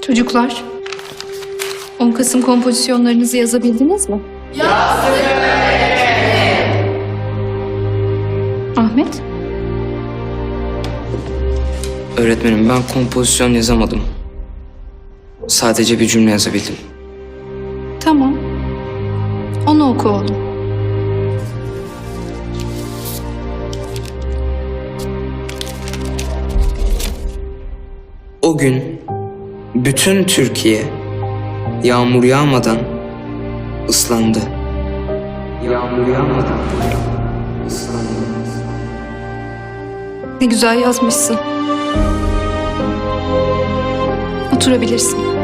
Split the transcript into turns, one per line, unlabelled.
Çocuklar, 10 Kasım kompozisyonlarınızı yazabildiniz mi? Yazdık. Ahmet?
Öğretmenim, ben kompozisyon yazamadım. Sadece bir cümle yazabildim.
Tamam. Onu oku oğlum.
O gün bütün Türkiye yağmur yağmadan ıslandı. Yağmur yağmadan ıslandı.
Ne güzel yazmışsın. Oturabilirsin.